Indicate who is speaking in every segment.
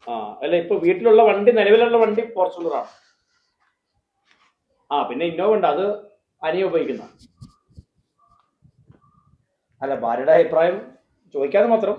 Speaker 1: ആ അല്ല ഇപ്പൊ വീട്ടിലുള്ള വണ്ടി നിലവിലുള്ള വണ്ടി ഫോർച്യൂണറാണ്. ആ പിന്നെ ഇന്നോവ ഉണ്ട്, അത് അനിയ ഉപയോഗിക്കുന്ന. അല്ല ഭാര്യയുടെ അഭിപ്രായം ചോദിക്കാതെ മാത്രം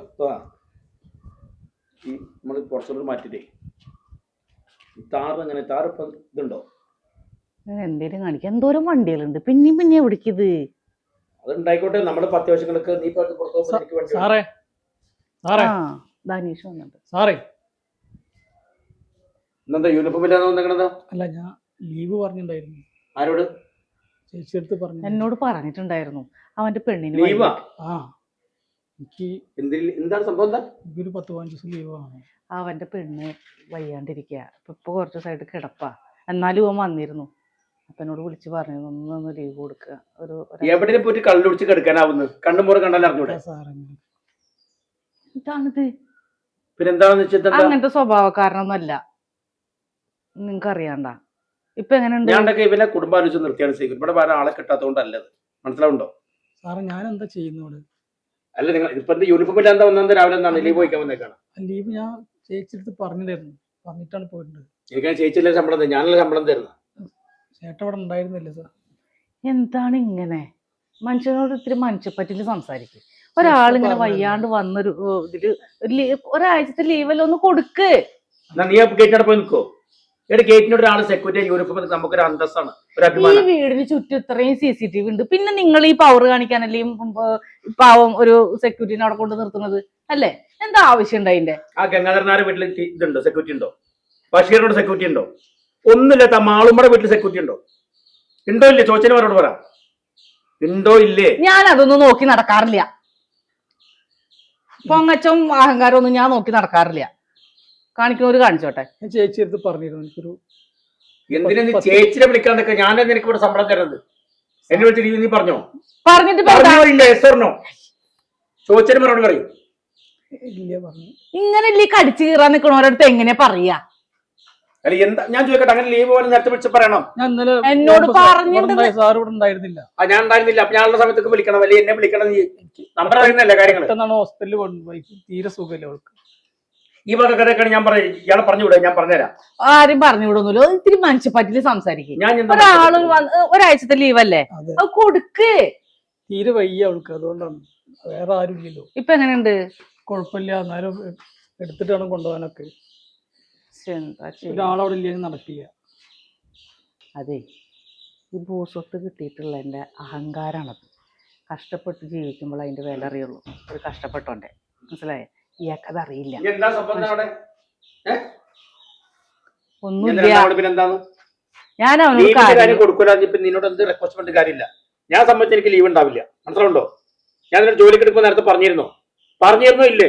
Speaker 1: ഈ നമ്മൾ ഫോർച്യൂണർ മാറ്റിട്ടേ താറ് അങ്ങനെ താറ് ഇപ്പം ഇതുണ്ടോ
Speaker 2: എന്തേലും കാണിക്കാം. എന്തോരം വണ്ടികളുണ്ട്, പിന്നെയും പിന്നെ എവിടേക്കിത്?
Speaker 1: അത് ഉണ്ടായിക്കോട്ടെ, നമ്മുടെ അത്യാവശ്യങ്ങൾക്ക് നീ
Speaker 3: സാറേ സാറേ
Speaker 2: ധനീഷ് വന്നിട്ട്
Speaker 3: സാറേ
Speaker 1: ഇന്നെന്താ യൂണിഫോം ഇല്ലാതെ വന്നേക്കണത്?
Speaker 3: അല്ല ഞാൻ ലീവ് പറഞ്ഞിട്ടുണ്ടായിരുന്നു.
Speaker 1: ആരോട്?
Speaker 3: ചേച്ചി അടുത്ത് പറഞ്ഞു.
Speaker 2: എന്നോട് പറഞ്ഞിട്ടുണ്ടായിരുന്നു അവന്റെ പെണ്ണിന്
Speaker 1: ലീവാ?
Speaker 3: ആ എനിക്ക്
Speaker 1: എന്താണ് സംഭവം? എന്താ
Speaker 3: എനിക്കൊരു 10-15 ദിവസം ലീവാണ്.
Speaker 2: അവന്റെ പെണ്ണ് വയ്യാണ്ടിരിക്കുക. ഇപ്പൊ കുറച്ച് ദിവസമായിട്ട് കിടപ്പാ. എന്നാലും അവൻ വന്നിരുന്നു. അപ്പൊ എന്നോട് വിളിച്ച് പറഞ്ഞു ഒന്ന് ലീവ് കൊടുക്കുക.
Speaker 1: എവിടെ പോയിട്ട് കള്ളു കുടിച്ച് കിടക്കാനാവുന്നു? കണ്ണുമുറ കണ്ടാലും അറിഞ്ഞൂടെ?
Speaker 2: ഇതാണിത്.
Speaker 1: പിന്നെന്താണെന്ന് വെച്ചാൽ
Speaker 2: അങ്ങനത്തെ സ്വഭാവക്കാരനൊന്നുമല്ല, നിങ്ങക്ക് അറിയാണ്ട. ഇപ്പൊ എങ്ങനെയുണ്ട്?
Speaker 1: ഞാനൊക്കെ ഇവനെ കുടുംബാലോചിച്ച് നിർത്തിയാണ് ചെയ്യുന്നത്. ഇവിടെ വേറെ ആളെ കിട്ടാത്തതുകൊണ്ടല്ലത്, മനസ്സിലാവുണ്ടോ?
Speaker 3: സാറേ ഞാൻ എന്താ ചെയ്യുന്നോട്?
Speaker 1: അല്ല നിങ്ങൾ ഇപ്പൊ യൂണിഫോം ഇല്ലാതെ വന്നത് രാവിലെ എന്താണ് ലീവ് പോയിക്കാൻ വന്നേക്കാണ്?
Speaker 3: ലീവ് ഞാൻ ചേച്ചി അടുത്ത് പറഞ്ഞിട്ടായിരുന്നു, പറഞ്ഞിട്ടാണ് പോയിട്ടുണ്ട്.
Speaker 1: എനിക്ക് ചേച്ചിയില്ല ശമ്പളം തരും, ഞാനല്ല ശമ്പളം തരുന്നത്.
Speaker 3: ചേട്ടൻ ഇവിടെ ഉണ്ടായിരുന്നില്ല സാർ.
Speaker 2: എന്താണ് ഇങ്ങനെ? മനുഷ്യനോട് ഇത്തിരി മനുഷ്യപ്പറ്റില് സംസാരിക്കും. ഒരാളിങ്ങനെ വയ്യാണ്ട് വന്നൊരു ഇതില് ഒരാഴ്ചത്തെ ലീവല്ലോ ഒന്ന് കൊടുക്ക്.
Speaker 1: നീ ഗേറ്റിനോട് പോയി നിൽക്കോ? ഗേറ്റിനോട് ഒരാൾ സെക്യൂരിറ്റി യൂണിഫോം നമുക്കൊരു അന്തസ്സാണ്, ഒരു
Speaker 2: ഈ വീടിന് ചുറ്റും ഇത്രയും CCTV ഉണ്ട്, പിന്നെ നിങ്ങൾ ഈ പവർ കാണിക്കാനല്ലേ പാവം ഒരു സെക്യൂരിറ്റിനെ അവിടെ കൊണ്ട് നിർത്തുന്നത് അല്ലേ? എന്താ ആവശ്യം ഉണ്ട് അതിന്റെ?
Speaker 1: ആ ഗംഗാധരനാരുടെ വീട്ടിൽ ഇതുണ്ടോ, സെക്യൂരിറ്റി ഉണ്ടോ? ബഷീറിനോട് സെക്യൂരിറ്റി ഉണ്ടോ? ഒന്നുമില്ല. മാളുമ്മയുടെ വീട്ടിൽ സെക്യൂരിറ്റി ഉണ്ടോ? ഉണ്ടോ ഇല്ലേ? ചോദിച്ചവരോട് പറ, ഉണ്ടോ ഇല്ലേ?
Speaker 2: ഞാൻ അതൊന്നും നോക്കി നടക്കാറില്ല. പൊങ്ങച്ചം അഹങ്കാരം ഒന്നും ഞാൻ നോക്കി നടക്കാറില്ല. കാണിക്കുന്നവര് കാണിച്ചോട്ടെ.
Speaker 3: ഞാൻ ചേച്ചി അടുത്ത് പറഞ്ഞിരുന്നു എനിക്കൊരു.
Speaker 1: എന്തിനാ നീ ചേച്ചിനെ വിളിക്കാന്നൊക്കെ? ഞാൻ നിനക്ക് ഇവിടെ ശമ്പളം തരുന്നത്. എന്നെ വിളിച്ച് നീ പറഞ്ഞോ?
Speaker 2: പറഞ്ഞിട്ട്
Speaker 1: ചോദിച്ചതിന് മറുപടി പറയും.
Speaker 2: ഇങ്ങനെ കടിച്ചു കീറാൻ നിൽക്കണോരടുത്ത് എങ്ങനെയാ പറയാ?
Speaker 1: അല്ല എന്താ ഞാൻ ചോദിക്കട്ടെ, അങ്ങനെ ലീവ് പോലെ നേരത്തെ വിളിച്ച് പറയണം.
Speaker 2: എന്നോട് പറഞ്ഞിട്ട്
Speaker 3: സാർ ഇവിടെ ഉണ്ടായിരുന്നില്ല.
Speaker 1: ഞാൻ ഉണ്ടായിരുന്നില്ല. അപ്പൊ ഞാനുള്ള സമയത്തൊക്കെ വിളിക്കണം, അല്ലെങ്കിൽ എന്നെ വിളിക്കണം. നീ നമ്പർ അറിയുന്നല്ലേ കാര്യങ്ങൾ.
Speaker 3: ഹോസ്പിറ്റലിൽ കൊണ്ടുപോയി, തീരെ സുഖമില്ല അവൾക്ക്.
Speaker 1: ഈ വക കഥയൊക്കെയാണ് ഞാൻ പറയും. ഇയാളെ പറഞ്ഞുകൂടെ? ഞാൻ പറഞ്ഞുതരാം.
Speaker 2: ആരും പറഞ്ഞുവിടുന്നില്ലോ. ഇത്തിരി മനുഷ്യപ്പറ്റില് സംസാരിക്കും. ഒരാള് ഒരാഴ്ചത്തെ ലീവല്ലേ, അത് കൊടുക്ക്.
Speaker 3: തീരെ വയ്യ അവൾക്ക്, അതുകൊണ്ടാണ്. വേറെ ആരും ഇല്ലല്ലോ.
Speaker 2: ഇപ്പൊ എങ്ങനെയുണ്ട്?
Speaker 3: കുഴപ്പമില്ല, എന്നാലും എടുത്തിട്ട് വേണം കൊണ്ടുപോകാനൊക്കെ. ഒരാളവിടെ ഇല്ലെങ്കിൽ നടക്കില്ല.
Speaker 2: അതെ, ഈ ഭൂസ്വത്ത് കിട്ടിയിട്ടുള്ള എന്റെ അഹങ്കാരാണത്. കഷ്ടപ്പെട്ട് ജീവിക്കുമ്പോൾ അതിന്റെ വില അറിയുള്ളൂ. ഒരു കഷ്ടപ്പെട്ടോണ്ടേ, മനസ്സിലായേ? ഇയാൾക്കത് അറിയില്ല. ഒന്നുമില്ല. ഞാൻ
Speaker 1: നിന്നോട് എന്ത് റിക്വസ്റ്റ് പറഞ്ഞിട്ട് കാര്യമില്ല. ഞാൻ സംബന്ധിച്ച് എനിക്ക് ലീവ് ഉണ്ടാവില്ല, മനസ്സിലുണ്ടോ? ഞാൻ നിന്നോട് ജോലിക്ക് എടുക്കുമ്പോൾ നേരത്തെ പറഞ്ഞിരുന്നോ ഇല്ലേ?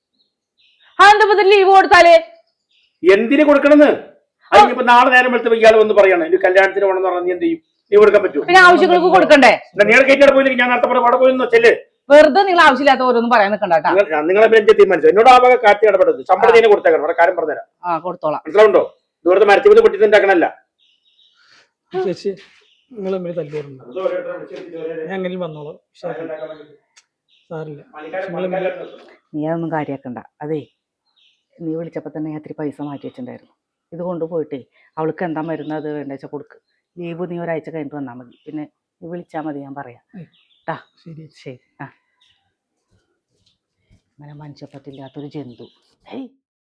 Speaker 2: ലീവ് കൊടുത്താലേ
Speaker 1: എന്തിനു കൊടുക്കണമെന്ന്? അതിപ്പോ നാളെ നേരം വെളുത്തപ്പോ ഇയാൾ വന്ന് പറയണം എനിക്ക് കല്യാണത്തിന് പോകണമെന്ന് പറഞ്ഞാൽ നീ എന്ത് ചെയ്യും? ലീവ് കൊടുക്കാൻ പറ്റുമോ?
Speaker 2: പിന്നെ ആവശ്യങ്ങൾക്ക് കൊടുക്കണ്ടേ?
Speaker 1: നിങ്ങൾ കേറ്റിടെ പോയില്ലെങ്കിൽ ഞാൻ നേരത്തെ അവിടെ പോയെന്നോ ചെല്ല്.
Speaker 2: വെറുതെ നിങ്ങൾ ആവശ്യമില്ലാത്ത ഓരോന്നും പറയാൻ നിൽക്കണ്ടാ.
Speaker 1: നിങ്ങളെ തീരുമാനിച്ചു. എന്നോട് ആ ഭാഗം കാറ്റി ഇടപെടരുത്. ശമ്പളം തന്നെ കൊടുത്തേക്കണം. അവിടെ കാര്യം പറഞ്ഞുതരാം.
Speaker 2: കൊടുത്തോളാം.
Speaker 1: മനസ്സിലാവുണ്ടോ? ദൂരത്ത് മരത്തിൽ പൊട്ടിട്ടുണ്ടാക്കണല്ല.
Speaker 3: ചേച്ചി നിങ്ങൾ തമ്മിൽ തല്ലുണ്ട്. ഞാൻ അങ്ങനെ വന്നോളാം. സാറില്ല,
Speaker 2: നീ അതൊന്നും കാര്യാക്കണ്ട. അതെ, നീ വിളിച്ചപ്പോ തന്നെ ഞാൻ ഇത്തിരി പൈസ മാറ്റി വെച്ചിട്ടുണ്ടായിരുന്നു. ഇത് കൊണ്ടുപോയിട്ട് അവൾക്ക് എന്താ മരുന്ന് അത് വേണ്ട വെച്ചാൽ കൊടുക്ക്. ലീവ് നീ ഒരാഴ്ച കഴിഞ്ഞിട്ട് വന്നാൽ മതി. പിന്നെ നീ വിളിച്ചാൽ മതി, ഞാൻ പറയാം. ശരി ശരി. അങ്ങനെ മനുഷ്യപ്പറ്റില്ലാത്തൊരു ജന്തു. ഹേയ്.